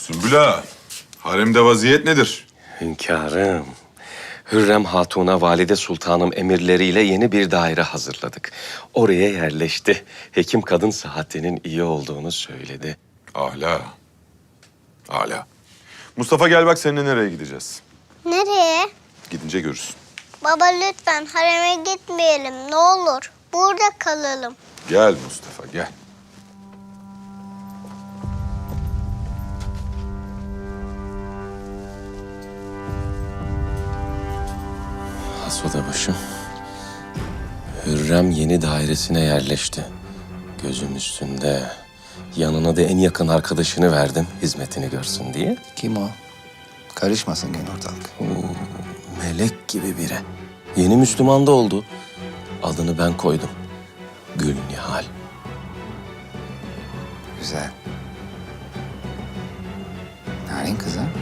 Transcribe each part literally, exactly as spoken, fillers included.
Sümbül Ağa, haremde vaziyet nedir? Hünkârım, Hürrem Hatun'a Valide Sultanım emirleriyle yeni bir daire hazırladık. Oraya yerleşti. Hekim kadın sıhhatinin iyi olduğunu söyledi. Âlâ. Âlâ. Mustafa gel bak seninle nereye gideceğiz? Nereye? Gidince görürsün. Baba lütfen hareme gitmeyelim ne olur. Burada kalalım. Gel Mustafa gel. Hasoda başım. Hürrem yeni dairesine yerleşti. Gözüm üstünde. Yanına da en yakın arkadaşını verdim hizmetini görsün diye. Kim o? Karışmasın gene ortalık. Melek gibi biri. Yeni Müslüman da oldu. Adını ben koydum. Gül Nihal. Güzel. Narin kız ha?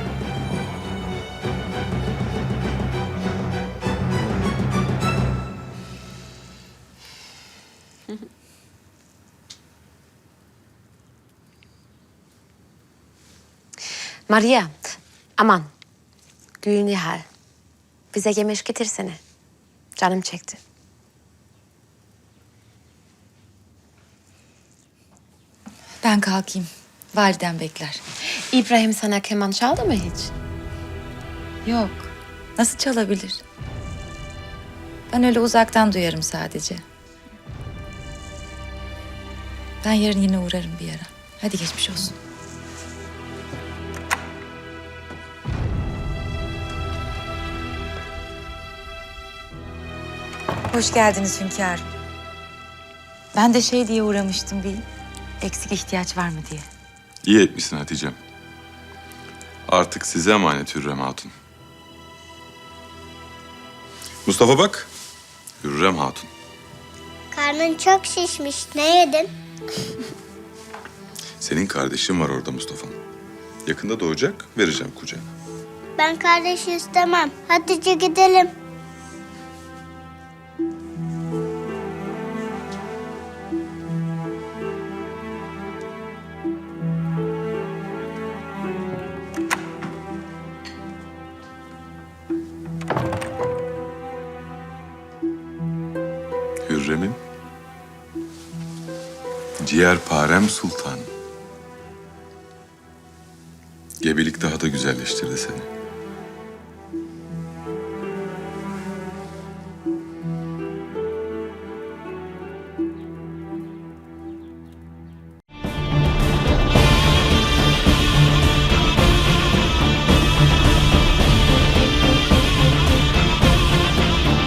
Maria, aman. Gül Nihal. Bize yemek getirsene. Canım çekti. Ben kalkayım. Validem bekler. İbrahim sana keman çaldı mı hiç? Yok. Nasıl çalabilir? Ben öyle uzaktan duyarım sadece. Ben yarın yine uğrarım bir ara. Hadi geçmiş olsun. Hoş geldiniz hünkârım. Ben de şey diye uğramıştım bir eksik ihtiyaç var mı diye. İyi etmişsin Hatice'm. Artık size emanet Hürrem Hatun. Mustafa bak. Hürrem Hatun. Karnın çok şişmiş. Ne yedin? Senin kardeşin var orada Mustafa'm. Yakında doğacak, vereceğim kucağına. Ben kardeş istemem. Hatice gidelim. Hürrem'im, ciğerparem sultanım. Gebelik daha da güzelleştirdi seni.